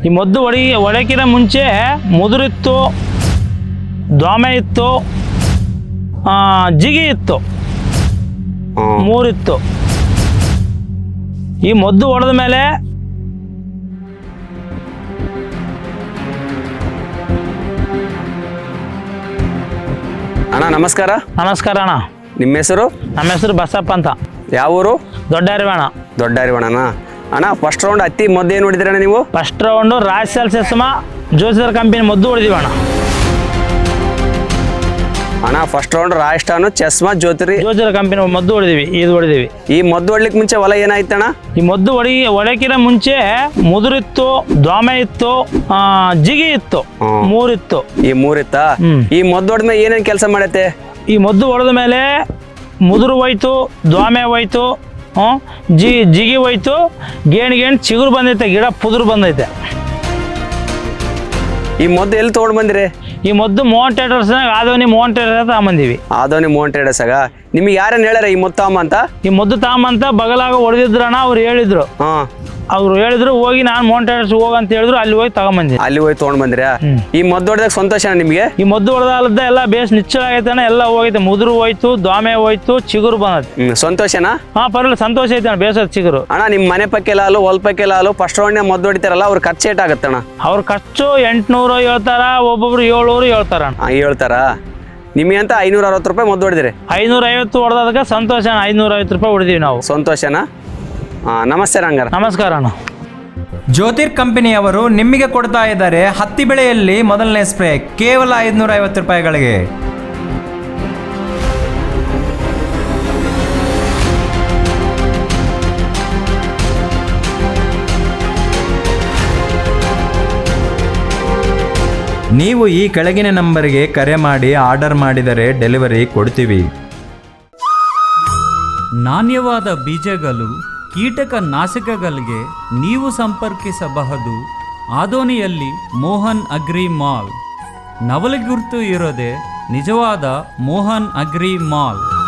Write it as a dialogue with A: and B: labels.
A: ಈ ಮದ್ದು ಹೊಡೆಕಿನ ಮುಂಚೆ ಮುದುರಿತ್ತು, ದ್ವಾಮೆ ಇತ್ತು, ಜಿಗಿ ಇತ್ತು, ಮೂರಿತ್ತು. ಈ ಮದ್ದು ಹೊಡೆದ ಮೇಲೆ
B: ಅಣ್ಣ ನಮಸ್ಕಾರ.
A: ನಮಸ್ಕಾರ ಅಣ್ಣ.
B: ನಿಮ್ಮ ಹೆಸರು?
A: ನಮ್ಮ ಹೆಸರು ಬಸಪ್ಪ ಅಂತ.
B: ಯಾವ ಊರು?
A: ದೊಡ್ಡ ಅರಿವಾಣ.
B: ದೊಡ್ಡ ಅರಿವಾಣನ ಅಣ್ಣ. ಫಸ್ಟ್ ರೌಂಡ್ ಹತ್ತಿ ಮದ್ದು ಏನು ಹೊಡಿದಿರಣ್ಣ ನೀವು?
A: ಫಸ್ಟ್ ರೌಂಡು ರಾಜ್ ಸೆಸ್ಮ ಜೋಸಿದರ್ ಕಂಪನಿ ಮದ್ದು ಹೊಡೆದಿವಿ ಅಣ್ಣ.
B: ಅಣ್ಣ ಫಸ್ಟ್ ರೌಂಡ್ ರಾಜಸ್ಥಾನ ಚಸ್ಮಾ
A: ಜೋಸಿದರ್ ಕಂಪನಿ ಮದ್ದು ಹೊಡೆದಿವಿ. ಇದು ಹೊಡೆದಿವಿ.
B: ಈ ಮದ್ದು ಹೊಡ್ಲಿಕ್ಕೆ ಮುಂಚೆ ಹೊಲ ಏನಾಯ್ತಣ್ಣ?
A: ಈ ಮದ್ದು ಹೊಡಕಿನ ಮುಂಚೆ ಮುದುರಿತ್ತು, ದ್ವಾಮೆ ಇತ್ತು, ಜಿಗಿ ಇತ್ತು, ಮೂರಿತ್ತು.
B: ಈ ಮೂರಿತ್ತಾ? ಈ ಮದ್ದು ಹೊಡೆದ್ಮೇಲೆ ಏನೇನು ಕೆಲಸ ಮಾಡತ್ತೆ?
A: ಈ ಮದ್ದು ಹೊಡೆದ ಮೇಲೆ ಮುದುರು ಹೋಯ್ತು, ದ್ವಾಮೆ ಹೋಯ್ತು, ಜಿಗಿ ಹೋಯ್ತು, ಗೇಣು ಚಿಗುರು ಬಂದೈತೆ, ಗಿಡ ಪುದುರು ಬಂದೈತೆ.
B: ಈ ಮದ್ದು ಎಲ್ಲಿ ತೊಗೊಂಡು ಬಂದಿರಿ?
A: ಈ ಮದ್ದು ಮೋಹನ್ ಟ್ರೇಡರ್ಸ್ನಾಗ ಆದವನಿ ಮೋಹನ್ ಟ್ರೇಡರ್ಸ್ ತಗೊಂಬಂದಿವಿ.
B: ಆದವನಿ ಮೋಹನ್ ಟ್ರೇಡರ್ಸಾಗ ನಿಮ್ಗೆ ಯಾರೇನು ಹೇಳ್ಯಾರ ಈ ಮದ್ದು ತಗೊಂಬ ಅಂತ?
A: ಈ ಮದ್ದು ತಗೊಂಬಂತ ಬಗಲಾಗ ಹೊಡೆದಿದ್ರಣ್ಣ. ಅವ್ರು ಹೇಳಿದ್ರು. ಹೋಗಿ ನಾನು ಮೋಹನ್ ಟ್ರೇಡರ್ಸ್ ಹೋಗಂತ ಹೇಳಿದ್ರು. ಅಲ್ಲಿ ಹೋಗಿ ತಗೊಂಬಂದಿ.
B: ಅಲ್ಲಿ ಹೋಗಿ ತೊಗೊಂಡ್ ಬಂದಿರಾ? ಈ ಮದ್ದು ಹೊಡೆದಾಗ ಸಂತೋಷ ನಿಮಗೆ?
A: ಈ ಮದ್ದು ಹೊಡೆದಾಲದ ಎಲ್ಲ ಬೇಸ್ ನಿಚ್ಚಳ ಆಗೈತಣ್ಣ. ಎಲ್ಲ ಹೋಗೈತೆ, ಮುದುರು ಹೋಯ್ತು, ದ್ವಾಮೆ ಹೋಯ್ತು, ಚಿಗುರು ಬಂದೈತೆ.
B: ಸಂತೋಷನಾ?
A: ಪರವಾಗಿಲ್ಲ, ಸಂತೋಷ ಐತೆ ಬೇಸದ ಚಿಗುರು.
B: ಅಣ್ಣ ನಿಮ್ಮ ಮನೆ ಪಕ್ಕೆ ಲಾಲು ಹೊಲ ಪಕ್ಕೆ ಲಾಲು ಫಸ್ಟ್ ರೌಂಡ್ ಮದ್ದು ಹೊಡಿತಾರಲ್ಲ, ಅವ್ರ ಖರ್ಚು ಏಟಾಗತ್ತಣ್ಣ?
A: ಅವ್ರ ಖರ್ಚು 800 ಹೇಳ್ತಾರ, ಒಬ್ಬೊಬ್ರು 700 ಹೇಳ್ತಾರ.
B: ಹೇಳ್ತಾರ. ನಿಮಗೆ ಅಂತ 560 ರೂಪಾಯಿ ಮದ್ದು ಹೊಡೆದಿರಿ?
A: 550 ಹೊಡೆದಕ್ಕೆ ಸಂತೋಷ. 550 ರೂಪಾಯಿ ಹೊಡೆದಿವಿ ನಾವು.
B: ಸಂತೋಷನಾ? ನಮಸ್ತೆ ರಂಗಾರ.
A: ನಮಸ್ಕಾರ ಅಣ್ಣ.
C: ಜ್ಯೋತಿರ್ ಕಂಪನಿಯವರು ನಿಮಗೆ ಕೊಡ್ತಾ ಇದ್ದಾರೆ ಹತ್ತಿ ಬೆಳೆಯಲ್ಲಿ ಮೊದಲನೇ ಸ್ಪ್ರೇ ಕೇವಲ 550 ರೂಪಾಯಿಗಳಿಗೆ. ನೀವು ಈ ಕೆಳಗಿನ ನಂಬರಿಗೆ ಕರೆ ಮಾಡಿ ಆರ್ಡರ್ ಮಾಡಿದರೆ ಡೆಲಿವರಿ ಕೊಡ್ತೀವಿ.
D: ನಾಣ್ಯವಾದ ಬೀಜಗಳು, ಕೀಟಕ ನಾಶಕಗಳಿಗೆ ನೀವು ಸಂಪರ್ಕಿಸಬಹುದು. ಆದೋನಿಯಲ್ಲಿ ಮೋಹನ್ ಅಗ್ರಿ ಮಾಲ್. ನವಲಗುರ್ತು ಇರೋದೆ ನಿಜವಾದ ಮೋಹನ್ ಅಗ್ರಿ ಮಾಲ್.